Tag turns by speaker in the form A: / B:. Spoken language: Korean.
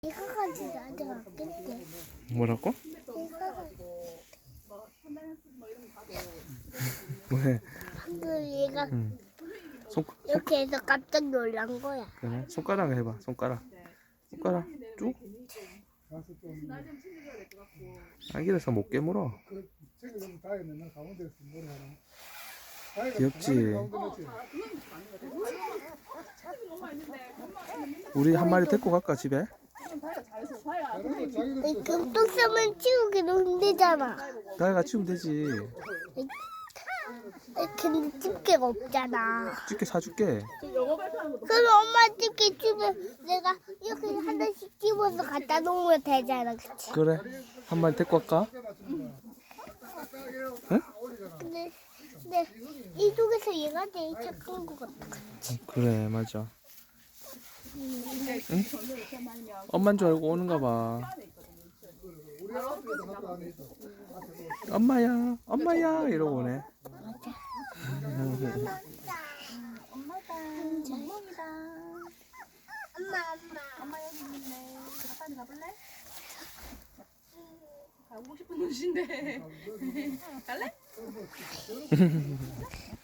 A: 이거 가지고 나한테 맞겠대.
B: 뭐라고?
A: 이거 가지고.
B: 왜?
A: 방금 얘가 이렇게 해서 깜짝 놀란 거야.
B: 그래? 손가락 해봐. 손가락 쭉. 아기라서 못 깨물어. 귀엽지? 우리 한 마리 데리고 갈까 집에?
A: 금똥쌈은 치우기도 힘들잖아.
B: 다이가 치우면 되지.
A: 근데 집게가 없잖아.
B: 집게 사줄게.
A: 그럼 엄마 집게 주면 내가 이렇게 하나씩 집어서 갖다 놓으면 되잖아. 그치?
B: 그래. 한 마리 데리고 갈까? 응?
A: 근데 이쪽에서 얘가 제일 착한 것 같아.
B: 그래 맞아. 응? 엄마인 줄 알고 오는가 봐. 엄마야 엄마야 이러고 오네.
C: 엄마다. 멍멍이다. 엄마 여기 있네. 아빠한테 가볼래? 가고 싶은 곳인데. 갈래?